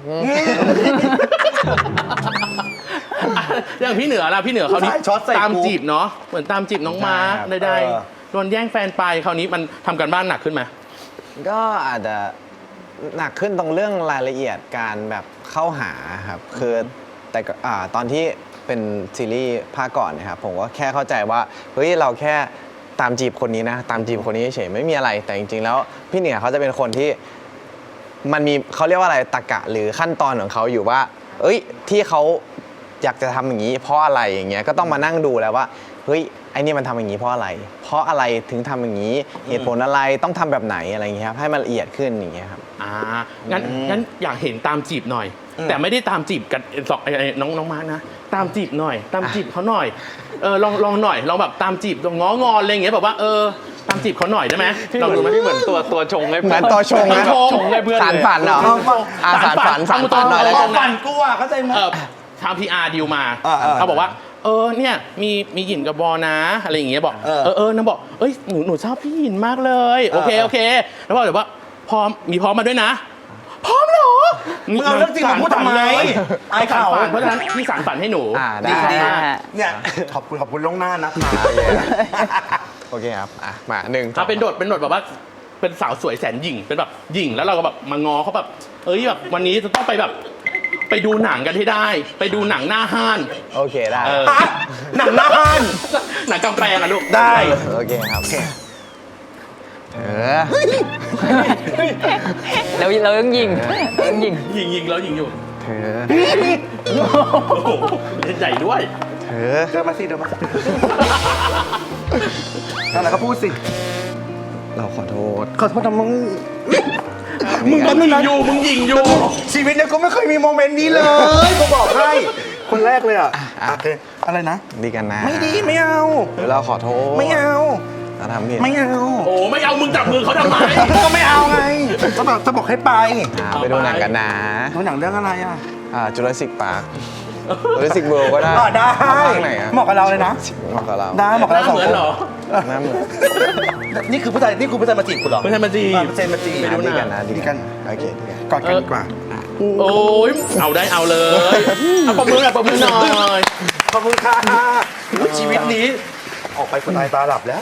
Speaker 3: อย่างพี่เหนือล่ะพี่เหนือเขาวนี้
Speaker 4: ใช่ช็อตใส่
Speaker 3: ตาม
Speaker 4: กู
Speaker 3: จีบเนาะเหมือนตามจีบน้องมาร์ค
Speaker 5: ใช่ครับ
Speaker 3: ใดๆโดนแย่งแฟนไปคราวนี้มันทำกันบ้านหนักขึ้นไหม
Speaker 5: ก็อาจจะหนักขึ้นตรงเรื่องรายละเอียดการแบบเข้าหาครับคือแต่ก็ตอนที่เป็นซีรีส์ภาคก่อนนะครับผมก็แค่เข้าใจว่าเฮ้ยเราแค่ตามจีบคนนี้นะตามจีบคนนี้เฉยไม่มีอะไรแต่จริงๆแล้วพี่เหนือเขาจะเป็นคนที่มันมีเขาเรียกว่าอะไรตรรกะหรือขั้นตอนของเขาอยู่ว่า เอ้ยที่เขาอยากจะทำอย่างนี้เพราะอะไรอย่างเงี้ยก็ต้องมานั่งดูแล้วว่าเฮ้ยไอ้นี่มันทำอย่างนี้เพราะอะไร เพราะอะไรถึงทำอย่างนี้เหตุผลอะไรต้องทำแบบไหนอะไรอย่างเงี้ยครับให้มันละเอียดขึ้นอย่างเงี้ยครับ
Speaker 3: งั้นอยากเห็นตามจีบหน่อย แต่ไม่ได้ตามจีบกันสองน้องมาร์คนะตามจีบหน่อย ตามจีบเขาหน่อยลองหน่อยลองแบบตามจีบง้องอนอะไรอย่างเงี้ยแบบว่าตามจีบเขาหน่อยได้ไหมลองดูไหม
Speaker 7: พี่เหมือนตัวชงให้
Speaker 5: เหมือนตัวชงนะ
Speaker 7: ชงให้เพื่อน
Speaker 5: สารฝันเหรอสารฝันหน่อยแล้วกัน
Speaker 4: ฝันกูอ่ะเข้าใจไหม
Speaker 3: ทาง PR ดีลมา
Speaker 4: อ่า
Speaker 3: เขาบอกว่าเนี่ยมีหยินกับบอนะอะไรอย่างเงี้ยบอกนางบอกหนูชอบพี่หยินมากเลยโอเคแล้วบอกเดี๋ยวว่าพร้อมมาด้วยนะพร้อมเหรอ
Speaker 4: มึงเอาเรื่องจริงมาพูดทำไมอายเขา
Speaker 3: เพราะฉะนั้นพี่สารฝันให้หนู
Speaker 5: ได้
Speaker 4: ดีเนี่ยขอบคุณล่วงหน้านะคะ
Speaker 5: โอเคครับมาหนึ่ง
Speaker 3: เป็นโดดแบบว่าเป็นสาวสวยแสนหยิ่งเป็นแบบหยิ่งแล้วเราก็แบบมางอเขาแบบแบบวันนี้จะต้องไปแบบไปดูหนังกันให้ได้ ไปดูหนังหน้าห้าน
Speaker 5: โอเคได้
Speaker 4: หนังหน้าห้าน
Speaker 3: หนังกำแพงอะลูก
Speaker 4: ได้
Speaker 5: โอเคครับ
Speaker 6: เราต้องยิง
Speaker 3: ยิงแล้วยิงอยู่
Speaker 5: เธอ
Speaker 3: โอ้โหเล่นใหญ่ด้วย
Speaker 5: เธอ
Speaker 4: เดินมาสินั่นแหละก็พูดสิ
Speaker 5: เราขอโทษ
Speaker 4: ขอโทษนะมึง
Speaker 3: มึงยิงอยู่
Speaker 4: ชีวิตเนี่ยกูไม่เคยมีโมเมนต์นี้เลยกูบอกให้คนแรกเลยอ่ะโอเคอะไรนะ
Speaker 5: ดีกันนะ
Speaker 4: ไม่ดีไม่เอา
Speaker 5: เราขอโทษ
Speaker 4: ไม่เอา
Speaker 5: เราทำผิด
Speaker 4: ไม่เอา
Speaker 3: โอ้ไม่เอามึงจับมือเขาทำไม
Speaker 4: ก็ไม่เอาไงจะบอกให้ไป
Speaker 5: ไปดูหนังกันนะ
Speaker 4: ดูหนังเรื่องอะไรอ่ะ
Speaker 5: จูราสสิกพาร์คจูราสสิกเวิลด์ก็ได้
Speaker 4: ได้
Speaker 5: เอาภาคไหนอะ
Speaker 4: เหมาะกับเราเลยนะ
Speaker 5: เหมาะกับเรา
Speaker 4: ได้เหมาะกับ
Speaker 3: หน้า
Speaker 4: เราสอง
Speaker 3: เหมือน
Speaker 4: คน
Speaker 3: เหรอ
Speaker 5: หน้าเหมือน
Speaker 4: นี่คือผู้ชายมาจีบกูเหรอ
Speaker 3: ไม่ใช่มาจีบ
Speaker 4: เซนมาจีบ
Speaker 3: ไปดูห
Speaker 5: ดี
Speaker 3: นัง
Speaker 5: กันนะ
Speaker 4: ดีกัน
Speaker 5: โอเคดีกัน
Speaker 4: กอดกันดีกว่า
Speaker 3: โอ้ยเอาได้เอาเลยเอาปมมือหน่อย
Speaker 4: ขอบคุณค่ะชีวิตนี้ ออกไปคนตายตาหลับแล้ว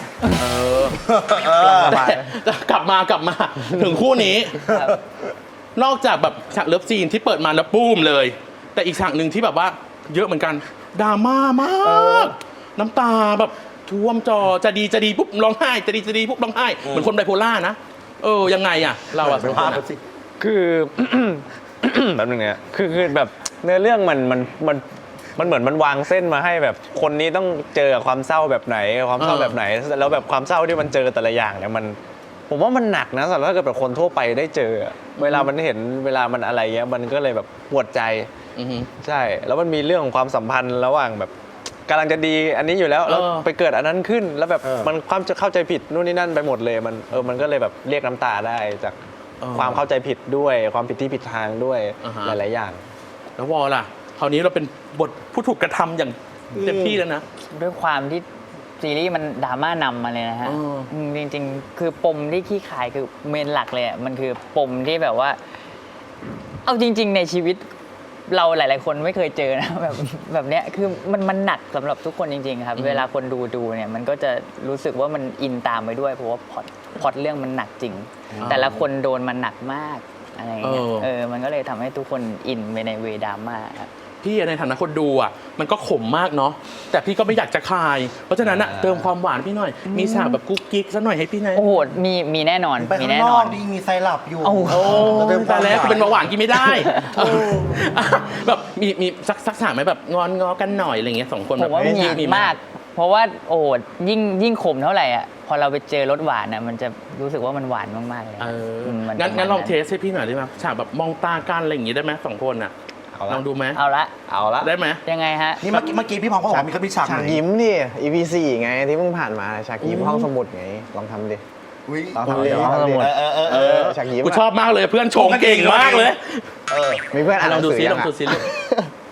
Speaker 3: แต่กลับมาถึงคู่นี้ นอกจากแบบฉากเลิฟซีนที่เปิดมาแล้วปุ้มเลย แต่อีกฉากหนึ่งที่แบบว่าเยอะเหมือนกันดราม่ามากน้ำตาแบบท่วมจอจะดีปุ๊บร้องไห้จะดีปุ๊บร้องไห้เหมือนคนไบโพล่านะยังไงอะเราอะสองคนอะ
Speaker 7: คือ แบบนึงเนี่ยคือแบบเนื้อเรื่องมันเหมือนมันวางเส้นมาให้แบบคนนี้ต้องเจอกับความเศร้าแบบไหนความเศร้าแบบไหนแล้วแบบความเศร้าที่มันเจอแต่ละอย่างเนี่ยผมว่ามันหนักนะสำหรับถ้าเกิดแบบคนทั่วไปได้เจออะเวลามันเห็นเวลามันอะไรเงี้ยมันก็เลยแบบปวดใจ
Speaker 3: อือฮึ
Speaker 7: ใช่ แล้วมันมีเรื่องของความสัมพันธ์ระหว่างแบบกำลังจะดีอันนี้อยู่แล้วแล้วไปเกิดอันนั้นขึ้น แล้วแบบมันความจะเข้าใจผิดนู่นนี่นั่นไปหมดเลยมันก็เลยแบบเรียกน้ำตาได้จากความเข้าใจผิดด้วยความผิดที่ผิดทางด้วยหลายๆอย่าง
Speaker 3: แล้ววอลล่ะคราวนี้เราเป็นบทผู้ถูกกระทำอย่างเต็มที่แล้วนะ
Speaker 6: ด้วยความที่ซีรีส์มันดราม่านำมาเลยนะฮะจริงๆ คือปมที่ขี้ขายคือเมนหลักเลยอ่ะมันคือปมที่แบบว่า เอาจริง ๆ ในชีวิตเราหลาย ๆ คนไม่เคยเจอนะ แบบเนี้ยคือมันหนักสำหรับทุกคนจริงๆครับเวลาคนดูเนี่ยมันก็จะรู้สึกว่ามันอินตามไปด้วยเพราะว่าพล็อตเรื่องมันหนักจริง แต่ละคนโดนมันหนักมากอะไรอย่างเงี้ยมันก็เลยทำให้ทุกคนอินไปในเวดราม่าครับ
Speaker 3: พี่ในฐานะคนดูอ่ะมันก็ขมมากเนาะแต่พี่ก็ไม่อยากจะคาย เพราะฉะนั้นอะเติมความหวานพี่หน่อยมีฉากแบบกุ๊กกิ๊กซะหน่อยให้พี่หน่อย
Speaker 6: โอ้โหมีแน่นอน
Speaker 4: ไป
Speaker 6: มี
Speaker 4: ข้าง
Speaker 6: แน่
Speaker 4: น
Speaker 6: น
Speaker 4: อ
Speaker 6: อก น
Speaker 4: ดีมีไซรัปอยู่
Speaker 6: โอ้โห
Speaker 3: แต่แล้วกูเป็นเบาหวานกินไม่ได้แบบมีสักฉากไหมแบบงอกันหน่อยอะไรเงี้ยสองคน
Speaker 6: ผ
Speaker 3: แบบ
Speaker 6: มว่ามีมาก เพราะว่าโอ้โหยิ่งขมเท่าไหร่อ่ะพอเราไปเจอรสหวานอ่ะมันจะรู้สึกว่ามันหวานมากๆเลย
Speaker 3: งั้นลองเทสให้พี่หน่อยได้ไหมฉากแบบมองตากันอะไรอย่างงี้ได้ไหมสองคนอ่ะลองดูไหม
Speaker 6: เอาละ
Speaker 3: ได้ไหม
Speaker 6: ยังไงฮะ
Speaker 4: นี่เมื่อกี้พี่พองเขาบอกว่ามีฉาก
Speaker 5: ฉาก
Speaker 4: ไหน
Speaker 5: ยิ้มดิ EP 4ไงที่เพิ่งผ่านมาฉากยิ้มห้องสมุดไงลองทำดิ
Speaker 4: อุ๊ย
Speaker 5: ลองทำดิ
Speaker 6: ห้องสมุด
Speaker 5: ฉากยิ้ม
Speaker 3: กูชอบมากเลยเพื่อนชงเก่งมากเลย
Speaker 5: มีเพื่อนอ่านห
Speaker 3: ล
Speaker 5: นั
Speaker 3: อง
Speaker 5: ง
Speaker 3: ดู
Speaker 5: สือ
Speaker 3: ซิ
Speaker 5: ยั
Speaker 3: ลอง
Speaker 5: ง
Speaker 3: ดูซิลูก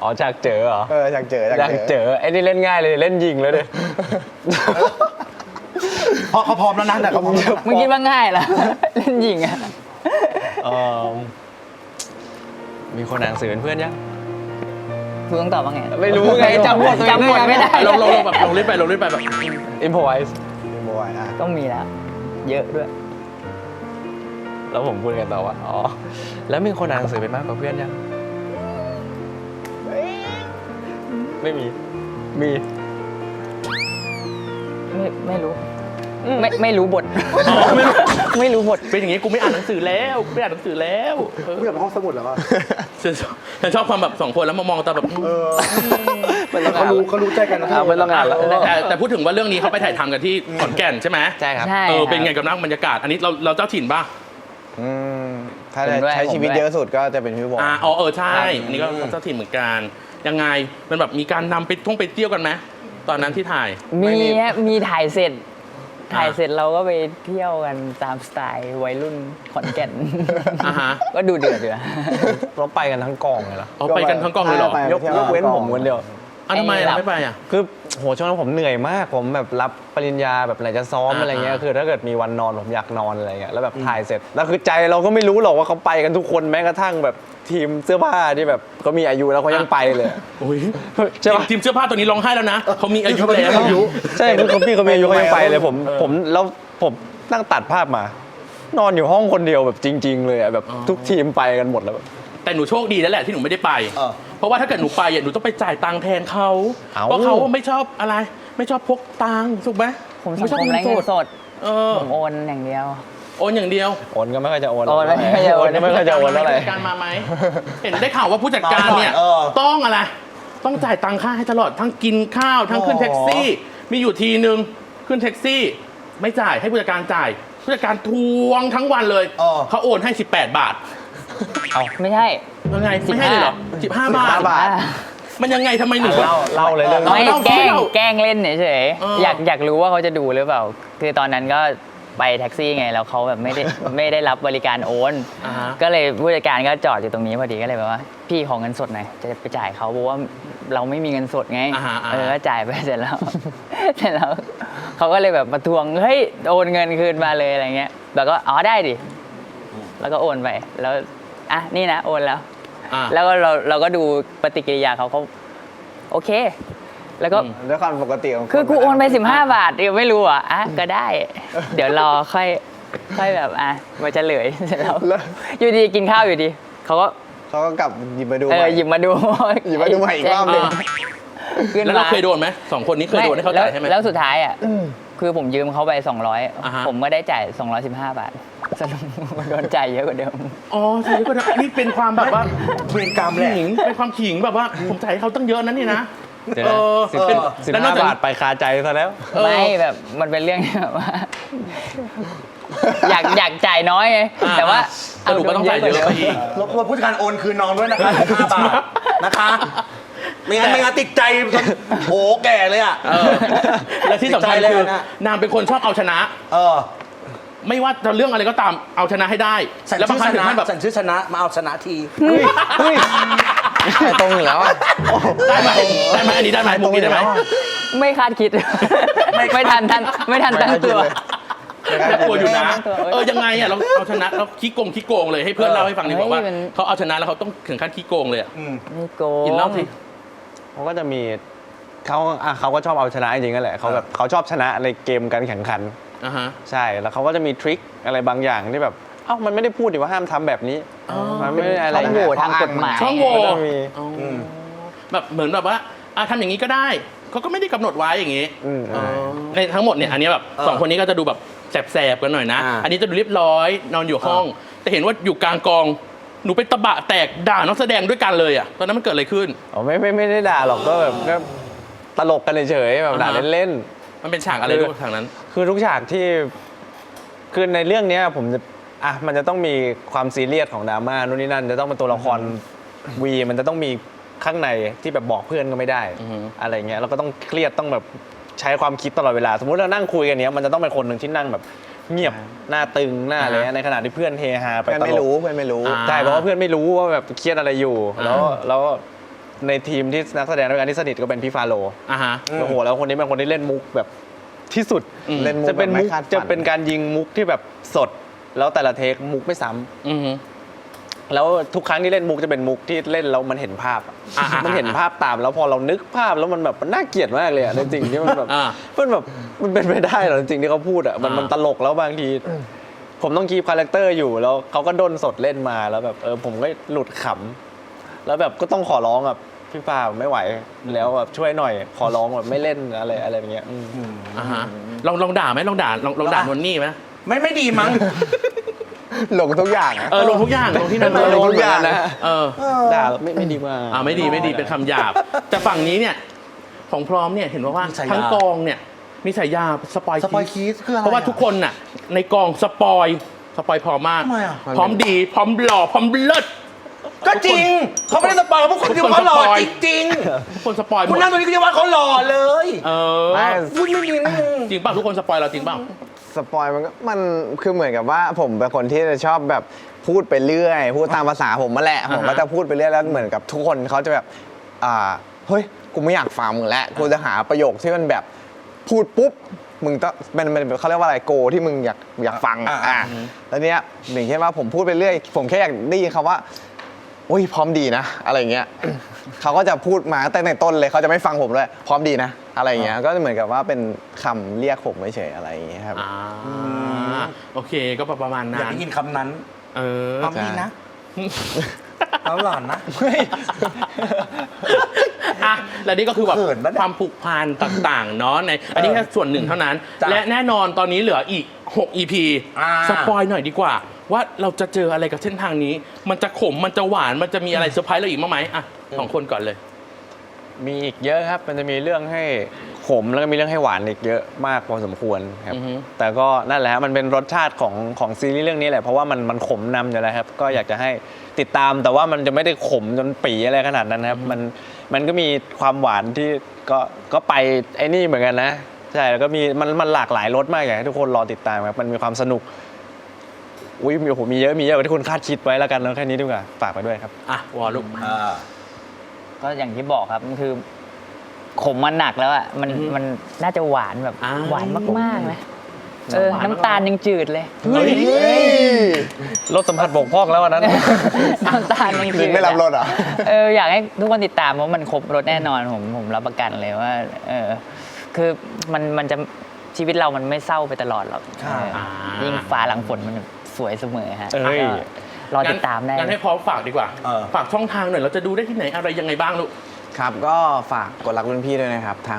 Speaker 7: อ๋อฉากเจอเหรอ
Speaker 5: อยากเจอ
Speaker 7: อยากเจอไอ้นี่เล่นง่ายเลยเล่นยิงเลยดิ
Speaker 4: เพราะเขาพร้อมแล้วนะแต่เขาพร้อมแล้ว
Speaker 6: มึงคิดว่าง่ายเหรอ เล่นยิงอะ
Speaker 7: เอ่อมีคนอ่านหนังสือเป็นเพื่อนยัง
Speaker 6: กูต้องตอบว่าไง
Speaker 7: ไม่รู้ไงจำบท
Speaker 6: จำบทไม่ได้
Speaker 3: ลงแบบลงเล่นไปแบบ
Speaker 7: อิมพอไวส์
Speaker 5: บอยอ่ะ
Speaker 6: ต้องมีแล้ว เยอะด้วย
Speaker 7: แล้วผมพูดกันต่อว่าอ๋อแล้วมีคนอ่านหนังสือเป็นมากกว่าเพื่อนยังไม่มีมี
Speaker 6: ไม่รู้ ไม่รู้บท ไม่รู้บท
Speaker 3: เป็นอย่างงี้กูไม่อ่านหนังสือแล้วไม่อ่านหนังสือแล้วเออ
Speaker 4: ไม่อยากไปห้องสมุดแล้วว่ะ
Speaker 3: ฉันชอบความแบบสองคนแล้วมามองตาแบบ
Speaker 4: เขารู้ใจกันนะ
Speaker 7: ไม่ต้องอ่านแล้ว
Speaker 3: แต่พูดถึงว่าเรื่องนี้เขาไปถ่ายทำกันที่ขอนแก่นใช่ไหม
Speaker 7: ใช่ครับ
Speaker 6: ใช่
Speaker 3: เป็นไงกับนักบรรยากาศ อันนี้เราเจ้าถิ่นป่ะ
Speaker 5: อืมถ้า
Speaker 6: ผมด้วย
Speaker 5: ใช้ชีวิต
Speaker 6: ผมด้วย
Speaker 5: เยอะสุดก็จะเป็นพี่บอย
Speaker 3: ใช่อันนี้ก็เจ้าถิ่นเหมือนกันยังไงมันแบบมีการนำไปไปเที่ยวกันไหมตอนนั้นที่ถ่าย
Speaker 6: มีถ่ายเสร็จ ถ่ายเสร็จเราก็ไปเที่ยวกันตามสไตล์วัยรุ่นขอนแก่น
Speaker 3: อ่าฮะ
Speaker 6: ก็ดูเดือดอยู่
Speaker 7: เราไปกันทั้งกองเลยเหรอ
Speaker 3: เอาไปกันทั้งกองเลยเหรอ
Speaker 5: ไป
Speaker 7: ยกเว้นผมคนเดียว
Speaker 3: ทำไมเราไม่ไปอ่ะ
Speaker 7: คือโหช่วงนั้นผมเหนื่อยมาก ผมแบบรับปริญญาแบบไหนจะซ้อม
Speaker 3: อ่า
Speaker 7: อะไรเงี้ยคือถ้าเกิดมีวันนอนผมอยากนอนอะไรเงี้ยแล้วแบบถ่ายเสร็จแล้วคือใจเราก็ไม่รู้หรอกว่าเขาไปกันทุกคนแม้กระทั่งแบบทีมเสื้อผ้าที่แบบก็มีอายุแล้วเขายังไปเลย
Speaker 3: โอ้ย
Speaker 7: ใช่ปะ
Speaker 3: ทีมเสื้อผ้าตัวนี้ร้องไห้แล้วนะเขามีอายุแล้ว
Speaker 7: ใช่คือพี่เขามีอายุเขายังไปเลยผมแล้วผมนั่งตัดภาพมา นอนอยู่ห้องคนเดียวแบบจริง ๆ เลยอะแบบทุกทีมไปกันหมดแล้วแบบ
Speaker 3: แต่หนูโชคดีแล้วแหละที่หนูไม่ได้ไป เพราะว่าถ้าเกิดหนูไปอ่ะหนูต้องไปจ่ายตังค์แทนเขา
Speaker 7: เอ้า
Speaker 3: เพราะเขาไม่ชอบอะไร ไม่ชอบพกตังค์ถูกไหม
Speaker 6: ผมสั
Speaker 3: ไม่
Speaker 6: ง
Speaker 3: ชอบ
Speaker 6: คมไร้เงินสด
Speaker 3: เออ
Speaker 6: ผมโอนอย่างเดียว
Speaker 3: โอนอย่างเดียว
Speaker 7: โอนก็ไม่ค่อยจะโอน
Speaker 6: โอนไม่ค่อยจะโอน
Speaker 7: ก็ไม่ค่อยจะโอนเท่าไหร่
Speaker 3: ผู้จัดการมาไหมเห็นได้ข่าวว่าผู้จัดการเนี่ย ต้องอะไร ต้องจ่ายตังค่าให้ตลอดทั้งกินข้าวทั้งขึ้นแท็กซี่ มีอยู่ทีนึงขึ้นแท็กซี่ ไม่จ่ายให้ผู้จัดการจ่ายผู้จัดการทวงทั้งวันเลยเขาโอนให้ 18 บาท
Speaker 6: ไม่ใช่
Speaker 3: ยังไงไม่ให้เลยเหรอ15 บาท
Speaker 7: 15 บาท
Speaker 3: มันยังไงทำไมหนู
Speaker 7: เล่าเลยเรื่อง
Speaker 3: อา
Speaker 6: ไม่
Speaker 3: เล่า
Speaker 6: แกล้ง
Speaker 3: เล่า
Speaker 6: แกล้งเล่นเฉย
Speaker 3: เออ
Speaker 6: ๆอยากรู้ว่าเขาจะดูหรือเปล่า คือตอนนั้นก็ไปแท็กซี่ไงแล้วเขาแบบไม่ได้รับบริการโอน
Speaker 3: อ่าฮะ
Speaker 6: ก็เลยผู้จัดการก็จอดอยู่ตรงนี้พอดีก็เลยแบบว่าพี่ขอเงินสดหน่อยจะไปจ่ายเขาเพราะว่าเราไม่มีเงินสดไง
Speaker 3: อ่าฮะ
Speaker 6: ก็จ่ายไปเสร็จแล้ว เสร็จแล้วเขาก็เลยแบบมาทวงเฮ้ยโอนเงินคืนมาเลยอะไรเงี้ยแล้วก็อ๋อได้ดิแล้วก็โอนไปแล้วอ่ะนี่นะโอนแล้ว
Speaker 3: อ่า
Speaker 6: แล้วก็เราก็ดูปฏิกิริยาเขาโอเค แล้วก็
Speaker 5: ด้วยความปกติของน
Speaker 6: คือกูโอนไป15 บาทเดี๋ยวไม่รู้อ่ะก็ได้ เดี๋ยวรอค่อยแบบมาเฉลยเสร็จแล้วอยู่ดีกินข้าวอยู่ดีเขาก็
Speaker 5: เขาก็กลับหยิบมาดู
Speaker 6: หยิบมาดู
Speaker 5: หยิบมาดูใหม่อีกรอบหนึ่ง
Speaker 6: ขึ้น
Speaker 3: แล้ว
Speaker 6: มา
Speaker 3: เราเคยโดนไหม2 คนนี้เคยโดนให้เขาจ่ายใช่ไหม
Speaker 6: แล้วสุดท้ายคือผมยืมเขาไป
Speaker 3: อ่าฮะ
Speaker 6: 200ผมก็ได้จ่าย215 บาทสรุปโดนจ่ายเยอะกว่าเดิม
Speaker 3: อ๋อใช่ก็ได้นี่เป็นความแบบว่า
Speaker 4: เวรกรรมแหละ
Speaker 3: ขิงเป็นความขิงแบบว่าผมจ่ายให้เขาตั้งเยอะนั้นนี่นะ
Speaker 7: เดี๋ยวนะ15 บาทไปคาใจซะแล้ว
Speaker 6: ไม่แบบมันเป็นเรื่องที่แบบว่า อยากจ่ายน้อยไงแต่ว่า
Speaker 3: สรุปก็ต้องจ่ายเยอะไปอีก
Speaker 4: รบกวนผู้จัดการโอนคืนน้องด้วยนะคะ5 บาทนะคะไม่งั้นติดใจจนโหแก่เลยอ่ะ
Speaker 3: และที่สำคัญ
Speaker 4: ติดใจเลย
Speaker 3: คือ
Speaker 4: นะ
Speaker 3: นางเป็นคนชอบเอาชนะ ไม่ว่าจะเรื่องอะไรก็ตามเอาชนะให้ได้
Speaker 4: สัน
Speaker 3: แล้วบาง
Speaker 4: ชื่อ
Speaker 3: ครั้ง
Speaker 4: ช
Speaker 3: ถึง
Speaker 4: นะ
Speaker 3: ขั้นแบบ
Speaker 4: สันชื่อชนะมาเอาชนะที
Speaker 5: ตรงอยู่แล้วอะ
Speaker 3: ได้ไหมอันนี้ได้ไหมมุกนี้ได้ไหม
Speaker 6: ไม่คาดคิด ไม่ทันตั้งตัว
Speaker 3: น่ากลัวอยู่นะ
Speaker 6: ไม่ได้ตัว
Speaker 3: ยังไงอ่ะเราเอาชนะเราขี้โกงเลยให้เพื่อนเล่าให้ฟังดีกว่าว่า
Speaker 6: เฮ้ยมัน
Speaker 3: เขาเอาชนะแล้วเขาต้องถึงขั้นขี้โกงเลยอ่ะ
Speaker 6: ไม่โกง
Speaker 3: กินเหล้าสิ
Speaker 7: เขาก็จะมีเขาก็ชอบเอาชนะจริงๆนั่นแหละเขาแบบเขาชอบชนะในเกมการแข่งขัน
Speaker 3: อ่าฮะ
Speaker 7: ใช่แล้วเขาก็จะมีทริคอะไรบางอย่างที่แบบเอ้ามันไม่ได้พูดดิว่าห้ามทำแบบนี้มันไม่ได้อะไร
Speaker 6: ช่องโหว่ทางกฎหมาย
Speaker 3: ช่องโหว่
Speaker 7: ก็จะมี
Speaker 3: แบบเหมือนแบบว่าทำอย่างนี้ก็ได้เขาก็ไม่ได้กำหนดไว้อย่างนี้ ในทั้งหมดเนี่ยอันนี้แบบสองคนนี้ก็จะดูแบบแสบๆกันหน่อยนะ อันนี้จะดูเรียบร้อยนอนอยู่ห้อง แต่เห็นว่าอยู่กลางกองหนูไปตะบะแตกด่านักแสดงด้วยกันเลยอ่ะตอนนั้นมันเกิดอะไรขึ้น
Speaker 7: อ๋อไม่ได้ด่าหรอกก็แบบก็ตลกกันเฉยๆแบบด่า
Speaker 3: อ่าฮะ
Speaker 7: เล่น
Speaker 3: มันเป็นฉากอะไรด้วยฉากนั้น
Speaker 7: ๆคือทุกฉากที่คือในเรื่องเนี้ยผมจะมันจะต้องมีความซีเรียสของดราม่านู่นนี่นั่นจะต้องเป็นตัวละครวีมันจะต้องมีข้างในที่แบบบอกเพื่อนก็ไม่ได้
Speaker 3: อือฮึ
Speaker 7: อะไรเงี้ยเราก็ต้องเครียดต้องแบบใช้ความคิดตลอดเวลา สมมุติเรานั่งคุยกันเนี้ยมันจะต้องเป็นคนหนึ่งที่นั่งแบบเงียบหน้าตึงหน้าอะไรเงี้ยในขณะที่เพื่อนเฮฮาไป
Speaker 5: เพื่อน
Speaker 7: ต
Speaker 5: ไม่
Speaker 7: ล
Speaker 5: รู้
Speaker 7: ก
Speaker 5: เพื่อนไม่รู้
Speaker 3: อ่า
Speaker 7: ใช่เพราะว่าเพื่อนไม่รู้ว่าแบบเครียดอะไรอยู่แล้วในทีมที่นักแสดงด้วยกันที่สนิทก็เป็นพี่ฟาโล
Speaker 3: อ่าฮะ
Speaker 7: โอ้โหแล้วคนนี้เป็นคนที่เล่นมุกแบบที่สุด
Speaker 5: เล่นมุก
Speaker 7: จะเป็น
Speaker 5: แบบไม่
Speaker 7: มุก
Speaker 5: คาดฝัน
Speaker 7: จะเป็นการยิงมุกที่แบบสด แล้วแต่ละเทคมุกไม่ซ้ำ
Speaker 3: อือฮึ
Speaker 7: แล้วทุกครั้งที่เล่นมุกจะเป็นมุกที่เล่นแล้วมันเห็นภาพอะ
Speaker 3: อ่าๆๆ
Speaker 7: มันเห็นภาพตามแล้วพอเรานึกภาพแล้วมันแบบมันน่าเกลียดมากเลยอะในสิ่งที่มันแบบ
Speaker 3: อ่า
Speaker 7: มันแบบมันเป็นไปได้เหรอจริงๆที่เขาพูดอะมันตลกแล้วบางที ผมต้องคีปคาแรคเตอร์อยู่แล้วเขาก็ด้นสดเล่นมาแล้วแบบผมก็หลุดขำแล้วแบบก็ต้องขอร้องแบบพี่ฟ้าไม่ไหวแล้วแบบช่วยหน่อยขอร้องแบบไม่เล่นอะไรอย่างเงี้ย
Speaker 3: อ่าฮะลองด่าไหมลองด่านนนี่ไหม
Speaker 4: ไม่ดีมั้ง
Speaker 5: หลงทุกอย่างอะ
Speaker 3: ลงทุกอย่างลงที่นั่น
Speaker 7: ไม่
Speaker 3: เลย
Speaker 7: ลงทุกอย่างนะ
Speaker 3: เออ
Speaker 7: ด่าไม่ดีมาก
Speaker 3: ไม่ดีเป็นคำหยาบ แต่ฝั่งนี้เนี่ยของพร้อมเนี่ยเห็นว่า
Speaker 4: มีฉายา
Speaker 3: ทั้งกองเนี่ยมีฉายาสปอย
Speaker 4: สปอยคีสคืออะไร
Speaker 3: เพราะว่าทุกคนน่ะในกองสปอยพร้อมมาก
Speaker 4: ทำไมอ่ะ
Speaker 3: พร้อมดีพร้อมหล่อพร้อมเลิศ
Speaker 4: ก็จริงเขาไม่ได้สปอยพวกคุณที่ว่าเขาหล่อจริง
Speaker 3: ทุกคนสปอยห
Speaker 4: ๆ
Speaker 3: ม
Speaker 4: คุณ
Speaker 3: ด
Speaker 4: นั่งตรงนี้ก็จะว่าเขาหล่อเลย
Speaker 5: ไม่
Speaker 4: พูดไม่ดีนะมึง
Speaker 3: จริงป่ะทุกคนสปอยเราจริงป่ะ
Speaker 5: สปอยมันคือเหมือนกับว่าผมเป็นคนที่จะชอบแบบพูดไปเรื่อยพูดตามภาษาผมมาแหละผมก็จะพูดไปเรื่อยแล้วเหมือนกับทุกคนเขาจะแบบเฮ้ยกูไม่อยากฟังมึงแล้วกูจะหาประโยคที่มันแบบพูดปุ๊บมึงต้องมันเขาเรียกว่าอะไรโกที่มึงอยากฟังแล้วเนี้ยอย่างเช่นว่าผมพูดไปเรื่อยผมแค่อยากได้ยินคำว่าอุ้ยพร้อมดีนะอะไรเงี้ย เขาก็จะพูดมาตั้งแต่ในต้นเลยเขาจะไม่ฟังผมเลยพร้อมดีนะอะไรเงี้ยก็เหมือนกับว่าเป็นคำเรียกผมเฉยๆอะไรอย่างเงี้ยครับ
Speaker 3: โอเคก็ประมาณ
Speaker 4: อยาก
Speaker 3: นั้น
Speaker 4: ได้ยินคำนั้น
Speaker 3: เออ
Speaker 4: พร้อมดีนะเขาหล่อนนะ
Speaker 3: อ่ะและนี่ก็คือแบบ
Speaker 4: เขินปะเนี่ย
Speaker 3: ความผูกพันต่างๆเนาะในอันนี้แค่ส่วนหนึ่งเท่านั้น
Speaker 4: จ้ะ
Speaker 3: และแน่นอนตอนนี้เหลืออีก 6 EP สปอยหน่อยดีกว่า ว่าเราจะเจออะไรกับเส้นทางนี้ มันจะขมมันจะหวานมันจะมีอะไรเซอร์ไพรส์เราอีกมั้ยไหมอ่ะสองคนก่อนเลย
Speaker 7: มีอีกเยอะครับ มันจะมีเรื่องให้ขมแล้วก็มีเรื่องให้หวานอีกเยอะมากพอสมควรครับ
Speaker 3: อือฮึ
Speaker 7: แต่ก็นั่นแหละฮะมันเป็นรสชาติของซีรีส์เรื่องนี้แหละ เพราะว่ามันขมนำอยู่แล้วครับ ก็อยากจะให้ติดตาม แต่ว่ามันจะไม่ได้ขมจนปีอะไรขนาดนั้นครับ มันก็มีความหวานที่ก็ไปไอ้นี่เหมือนกันนะ ใช่ แล้วก็มีมันหลากหลายรสมากอยากให้ทุกคนรอติดตามครับ มันมีความสนุก อุ้ยมีเยอะกว่าที่คุณคาดคิดไว้แล้วกันแล้วแค่นี้ดีกว่า ฝากไปด้วยครับ
Speaker 3: อ่ะวอลลูก
Speaker 6: ก็อย่างที่บอกครับมันคือขมมันหนักแล้วอ่ะมันน่าจะหวานแบบ
Speaker 3: อ่า
Speaker 6: หวานมากๆนะ
Speaker 3: หวานมาก
Speaker 6: น้ำตาลยังจืดเลย
Speaker 7: รสสัมผัสบกพร่องแล้ววันนั้น
Speaker 6: น้ำตาลยังจื
Speaker 5: ลิ
Speaker 6: ด
Speaker 5: งไม่รับรสเหรอ
Speaker 6: อยากให้ทุกคนติดตามเพราะมันครบรสแน่นอนผมรับประกันเลยว่าคือมันจะชีวิตเรามันไม่เศร้าไปตลอดหรอกยิ่งฟ้าหลังฝนมันสวยเสมอฮะ
Speaker 7: เอ้ย
Speaker 6: รอติดตามได้
Speaker 3: งั้นให้พร้อมฝากดีกว่า ฝากช่องทางหน่อยเราจะดูได้ที่ไหนอะไรยังไงบ้างลูก
Speaker 5: ครับก็ฝากกดรักรุ่นพี่ด้วยนะครับทาง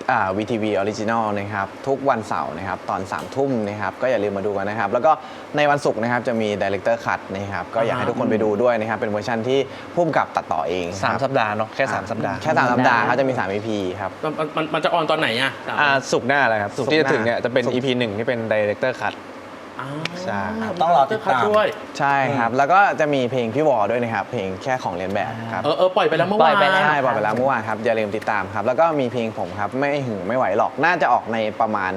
Speaker 5: VTV Original นะครับทุกวันเสาร์นะครับตอน 3 ทุ่มนะครับก็อย่าลืมมาดูกันนะครับแล้วก็ในวันศุกร์นะครับจะมี Director Cut นะครับก็อยากให้ทุกคนไปดูด้วยนะครับเป็นเวอร์ชันที่พุ่มกับตัดต่อเองครับ
Speaker 7: 3 สัปดาห์เนาะแค่ 3 สัปดาห์
Speaker 5: แค่3 สัปดาห์เขาจะมี3 EP ครับ
Speaker 3: มันจะออนตอนไหนอ่ะ
Speaker 7: ศุกร์หน้าแหละครับศุกร์ที่จะถึงเนี่ยจะเป็น
Speaker 5: ศุกร์
Speaker 7: EP 1 ที่เป็น Director Cut ใช่
Speaker 4: ต้องรอติดตาม
Speaker 3: ด้วย
Speaker 5: ใช่ครับแล้วก็จะมีเพลงพี่วอด้วยนะครับเพลงแค่ของเรียนแบบครับ
Speaker 3: ปล่อยไปแล้วเมื่อ
Speaker 6: ปล่
Speaker 3: วา
Speaker 6: อน ยไปแล้ว
Speaker 5: ใช่บอกไปแล้วเมื่อวานครับอย่าลืมติดตามครับแล้วก็มีเพลงผมครับไม่หึงไม่ไหวหรอกน่าจะออกในประมาณ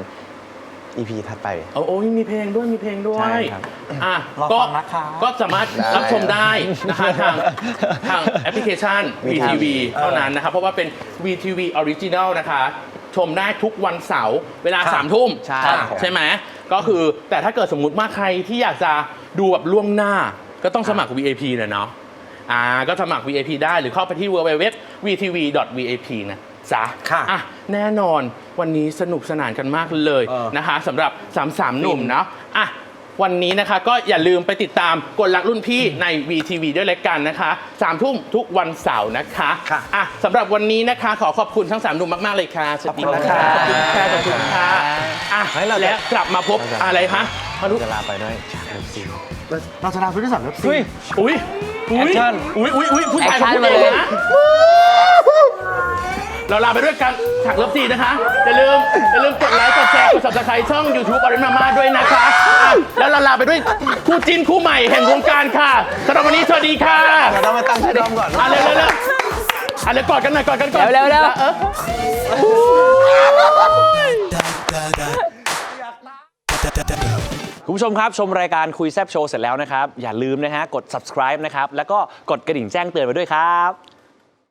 Speaker 5: EP ถัดไป
Speaker 3: โอ้ยมีเพลงด้วยมีเพลงด้ว
Speaker 5: ใช่
Speaker 3: ย
Speaker 5: ครับ
Speaker 3: อ่ะ
Speaker 4: รอ
Speaker 3: ก็
Speaker 4: ฟังนะคะ
Speaker 3: ก็สามารถรับชมได้นะคะทางแอปพลิเคชัน VTV เท่านั้นนะครับเพราะว่าเป็น VTV Original นะคะ ชมได้ทุกวันเสาร์เวลา 3 ทุ่ม
Speaker 5: ใช่
Speaker 3: ใช่ไหมก็คือแต่ถ้าเกิดสมมุติว่าใครที่อยากจะดูแบบล่วงหน้าก็ต้องสมัคร VIP เลยเนาะก็สมัคร VIP ได้หรือเข้าไปที่ www.vtv.vip นะจ๊ะ
Speaker 4: ค่ะ
Speaker 3: แน่นอนวันนี้สนุกสนานกันมากเลยนะคะสำหรับ3หนุ่มเนาะวันนี้นะคะก็อย่าลืมไปติดตามกดรักรุ่นพี่ใน VTV ด้วยแล้วกันนะคะ3 ทุ่มทุกวันเสาร์นะคะสำหรับวันนี้นะคะขอขอบคุณทั้ง3หนุ่มมากๆเลยค่ะสวัสดีค่ะขอบคุณค่ะขอบคุณค่ะและกลับมาพบอะไรคะมาดู
Speaker 5: จะลาไปด้วยฉากเลิฟซีน
Speaker 4: เราจะทำพื้นที่สามเล็บซี
Speaker 7: อุ้ย
Speaker 3: อุ้ย
Speaker 7: แอคชั่น
Speaker 3: อุ้ยผู้ชาย
Speaker 6: แอคชั่น
Speaker 3: พูด
Speaker 6: มาเลย
Speaker 3: นะเราลาไปด้วยกันฉากเลิฟซีนนะคะอย่าลืมกดไลค์กดแชร์กด subscribe ช่อง YouTube อริมาม่าด้วยนะคะแล้วเราลาไปด้วยคู่จิ้นคู่ใหม่แห่งวงการค่ะสำหรับวันนี้สวัสดีค่ะ
Speaker 5: เรามาตั้งชื่อดอมก่อน
Speaker 3: เร็วเร็วกอดกันหน่อยกอดกันก่อน
Speaker 6: เร็ว
Speaker 8: คุณผู้ชมครับ ชมรายการคุยแซบโชว์เสร็จแล้วนะครับ อย่าลืมนะฮะกด subscribe นะครับ แล้วก็กดกระดิ่งแจ้งเตือนไว้ด้วยครับ